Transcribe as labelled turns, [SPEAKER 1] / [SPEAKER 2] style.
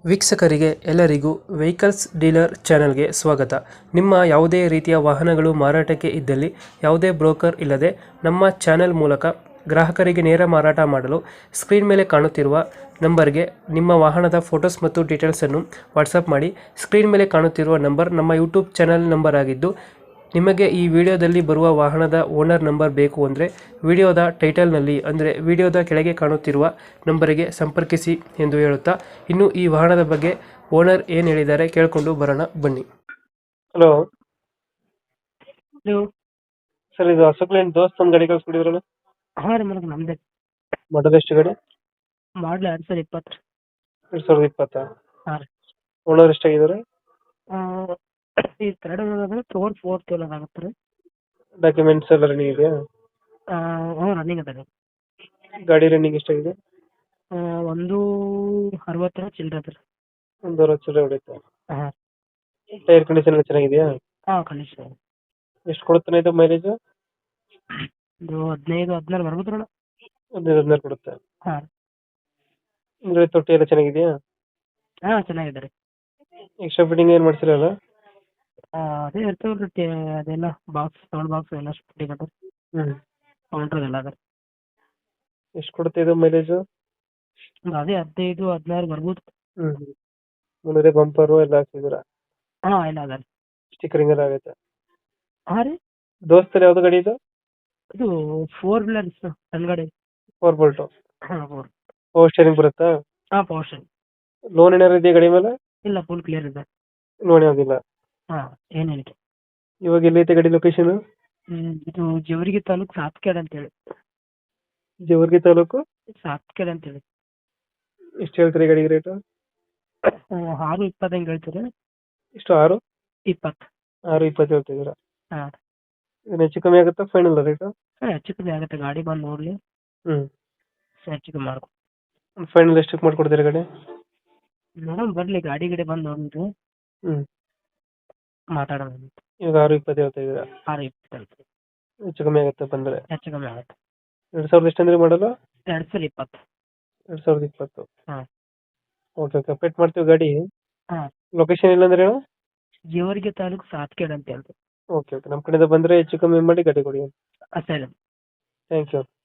[SPEAKER 1] ವೀಕ್ಷಕರಿಗೆ ಎಲ್ಲರಿಗೂ vehicles dealer ಚಾನೆಲ್ಗೆ ಸ್ವಾಗತ. ನಿಮ್ಮ ಯಾವುದೇ ರೀತಿಯ ವಾಹನಗಳು ಮಾರಾಟಕ್ಕೆ ಇದ್ದಲ್ಲಿ ಯಾವುದೇ ಬ್ರೋಕರ್ ಇಲ್ಲದೆ ನಮ್ಮ ಚಾನೆಲ್ ಮೂಲಕ ಗ್ರಾಹಕರಿಗೆ ನೇರ ಮಾರಾಟ ಮಾಡಲು ಸ್ಕ್ರೀನ್ ಮೇಲೆ ಕಾಣುತ್ತಿರುವ ನಂಬರ್ಗೆ ನಿಮ್ಮ ವಾಹನದ ಫೋಟೋಸ್ ಮತ್ತು ಡೀಟೇಲ್ಸನ್ನು ವಾಟ್ಸಪ್ ಮಾಡಿ. ಸ್ಕ್ರೀನ್ ಮೇಲೆ ಕಾಣುತ್ತಿರುವ ನಂಬರ್ ನಮ್ಮ ಯೂಟ್ಯೂಬ್ ಚಾನೆಲ್ ನಂಬರ್ ಆಗಿದ್ದು, ನಿಮಗೆ ಈ ವಿಡಿಯೋದಲ್ಲಿ ಬರುವ ವಾಹನದ ಓನರ್ ನಂಬರ್ ಬೇಕು ಅಂದರೆ ವಿಡಿಯೋದ ಟೈಟಲ್ನಲ್ಲಿ ಅಂದರೆ ವಿಡಿಯೋದ ಕೆಳಗೆ ಕಾಣುತ್ತಿರುವ ನಂಬರಿಗೆ ಸಂಪರ್ಕಿಸಿ ಎಂದು ಹೇಳುತ್ತಾ, ಇನ್ನು ಈ ವಾಹನದ ಬಗ್ಗೆ ಓನರ್ ಏನು ಹೇಳಿದ್ದಾರೆ ಕೇಳಿಕೊಂಡು ಬರೋಣ ಬನ್ನಿ. Hello
[SPEAKER 2] hello.
[SPEAKER 1] ಸರ್, ಇದು ಅಶೋಕ್ ದೋಸ್ತ್ ಒಂದು ಗಾಡಿ ಕಳ್ಸ್ಕೊಟ್ಟಿದ್ರಲ್ಲ,
[SPEAKER 2] ಹಾಂ ರೀ ಮೇಡಮ್, ನಮ್ದೇ.
[SPEAKER 1] ಮಾಡಲ್ ಎಷ್ಟು ಗಾಡಿ?
[SPEAKER 2] ಮಾಡಲ್ 2020 ರೀ.
[SPEAKER 1] 2020.
[SPEAKER 2] ಹಾಂ ರೀ.
[SPEAKER 1] ಓನರ್ ಎಷ್ಟಾಗಿದ್ದಾರೆ?
[SPEAKER 2] ಈ ಥರ್ಡ್ ಓನರ್ ಫೋರ್ತ್ ಓನರ್ ಆಗುತ್ತೆ ರೀ.
[SPEAKER 1] ಡಾಕ್ಯುಮೆಂಟ್ಸ್ ಎಲ್ಲ ರನ್ನಿಂಗ್ ಇದೆಯಾ?
[SPEAKER 2] ಹ್ಞೂ, ರನ್ನಿಂಗ್ ಅದ ರೀ.
[SPEAKER 1] ಗಾಡಿ ರನ್ನಿಂಗ್ ಎಷ್ಟಾಗಿದೆ?
[SPEAKER 2] 160 ಚಿಲ್ಲರೆ ಅದ ರೀ.
[SPEAKER 1] ಒಂದು 60 ಚಿಲ್ಲರೆ ಹೊಡೆಯುತ್ತೆ.
[SPEAKER 2] ಹಾಂ
[SPEAKER 1] ಟೈರ್ ಕಂಡೀಷನ್ ಎಲ್ಲ ಚೆನ್ನಾಗಿದೆಯಾ?
[SPEAKER 2] ಹಾಂ, ಕಂಡೀಷನ್.
[SPEAKER 1] ಎಷ್ಟು ಕೊಡುತ್ತಾನೆ ಇದು ಮೈಲೇಜ್?
[SPEAKER 2] ಇದು 15-16 ಬರ್ಬೋದು ರೀ.
[SPEAKER 1] 15-16 ಕೊಡುತ್ತೆ.
[SPEAKER 2] ಹಾಂ
[SPEAKER 1] ಅಂದ್ರೆ ತೊಟ್ಟಿ ಎಲ್ಲ ಚೆನ್ನಾಗಿದೆಯಾ?
[SPEAKER 2] ಹಾಂ, ಚೆನ್ನಾಗಿದೆ ರೀ.
[SPEAKER 1] ಎಕ್ಸ್ಟ್ರಾ ಫಿಟ್ಟಿಂಗ್ ಏನು ಮಾಡ್ಸಿರಲ್ಲ?
[SPEAKER 2] ಅದೇ ಇರ್ತವಲ್ಲ ರೀ, ಅದೆಲ್ಲ ಸೌಂಡ್ ಬಾಕ್ಸ್ ಎಲ್ಲ ಫಿಟ್ಟಿಂಗ್ ಅದ. ಕೌಂಟ್ರ್ ಎಲ್ಲ ಅದ.
[SPEAKER 1] ಎಷ್ಟು ಕೊಡುತ್ತೆ ಇದು ಮೈಲೇಜ್?
[SPEAKER 2] ಅದೇ 15-16 ಬರ್ಬೋದು.
[SPEAKER 1] ಮುಂದೆ ಬಂಪರು ಎಲ್ಲ ಹಾಕ್ಸಿದ್ದೀರಾ?
[SPEAKER 2] ಹಾಂ, ಎಲ್ಲ ಅದ ರೀ.
[SPEAKER 1] ಸ್ಟಿಕರಿಂಗ್ ಎಲ್ಲ ಆಗೈತೆ?
[SPEAKER 2] ಹಾಂ ರೀ.
[SPEAKER 1] ದೋಸ್ತಲ್ಲಿ ಯಾವ್ದು ಗಾಡಿ ಇದು?
[SPEAKER 2] ಇದು 4 ವೀಲರ್ಸ್ ಸಣ್ಣ ಗಾಡಿ.
[SPEAKER 1] 4 ಬೋಲ್ಟು.
[SPEAKER 2] ಹಾಂ, 4.
[SPEAKER 1] ಪವರ್ ಸ್ಟೇರಿಂಗ್ ಬರುತ್ತಾ?
[SPEAKER 2] ಹಾಂ, ಪವರ್ ಸ್ಟೇರಿಂಗ್.
[SPEAKER 1] ಲೋನ್ ಏನಾರು ಇದೆಯಾ ಗಾಡಿ ಮೇಲೆ?
[SPEAKER 2] ಇಲ್ಲ, ಫುಲ್ ಕ್ಲಿಯರ್ ಇದೆ.
[SPEAKER 1] ಲೋನ್ ಯಾವುದಿಲ್ಲ?
[SPEAKER 2] ಹಾಂ, ಏನೇನಿದೆ.
[SPEAKER 1] ಇವಾಗ ಎಲ್ಲೈತೆ ಗಾಡಿ ಲೊಕೇಶನ್?
[SPEAKER 2] ಇದು ಜೇವರ್ಗಿ ತಾಲೂಕು ಸಾತ್ಕೇಡ್ ಅಂತೇಳಿ.
[SPEAKER 1] ಜೇವರ್ಗಿ ತಾಲೂಕು
[SPEAKER 2] ಸಾತ್ಕೇಡ್ ಅಂತೇಳಿ.
[SPEAKER 1] ಎಷ್ಟು ಹೇಳ್ತೀರಿ ಗಾಡಿಗೆ ರೇಟು?
[SPEAKER 2] 6:20 ಹಂಗೆ ಹೇಳ್ತೀರಿ.
[SPEAKER 1] ಎಷ್ಟು? 6?
[SPEAKER 2] 20.
[SPEAKER 1] 6:20 ಹೇಳ್ತಿದ್ದೀರಾ?
[SPEAKER 2] ಹಾಂ.
[SPEAKER 1] ಇದನ್ನ ಹೆಚ್ಚು ಕಮ್ಮಿ ಆಗುತ್ತಾ ಫೈನಲ್ ರೇಟು?
[SPEAKER 2] ಹಾಂ, ಹೆಚ್ಚು ಕಮ್ಮಿ ಆಗುತ್ತೆ. ಗಾಡಿ ಬಂದು ನೋಡಲಿ, ಹೆಚ್ಚು ಕಮ್ಮಿ ಮಾಡ್ಕೊ.
[SPEAKER 1] ಫೈನಲ್ ಎಷ್ಟಕ್ಕೆ ಮಾಡ್ಕೊಡ್ತೀರಾ ಗಾಡಿ?
[SPEAKER 2] ನೋಡೋಣ ಬರ್ಲಿ, ಗಾಡಿ ಬಂದು ನೋಡಿರಿ, ಮಾತಾಡೋಣ.
[SPEAKER 1] ಇವಾಗ 6:20 ಹೇಳ್ತಾ ಇದ್ದೀರಾ?
[SPEAKER 2] 6:20
[SPEAKER 1] ಹೆಚ್ಚು ಕಮ್ಮಿ ಆಗುತ್ತೆ ಬಂದರೆ?
[SPEAKER 2] ಹೆಚ್ಚು ಕಮ್ಮಿ ಆಗುತ್ತೆ.
[SPEAKER 1] 2000 ಎಷ್ಟಂದ್ರೆ ಮಾಡಲು?
[SPEAKER 2] 2020.
[SPEAKER 1] 2020.
[SPEAKER 2] ಹಾಂ.
[SPEAKER 1] ಓಕೆ, ಕಂಪ್ಲೀಟ್ ಮಾಡ್ತೀವಿ ಗಾಡಿ.
[SPEAKER 2] ಹಾಂ.
[SPEAKER 1] ಲೊಕೇಶನ್ ಇಲ್ಲಾಂದ್ರೆ ಹೇಳು?
[SPEAKER 2] ಜೇವರ್ಗಿ ತಾಲೂಕು ಸಾತ್ಕೇಡ್ ಅಂತ ಹೇಳ್ತೀವಿ.
[SPEAKER 1] ಓಕೆ, ನಮ್ಮ ಕಡೆಯಿಂದ ಬಂದರೆ ಹೆಚ್ಚು ಕಮ್ಮಿ ಮಾಡಿ ಗಾಡಿ ಕೊಡಿ.
[SPEAKER 2] ಸರಿ.
[SPEAKER 1] Thank you.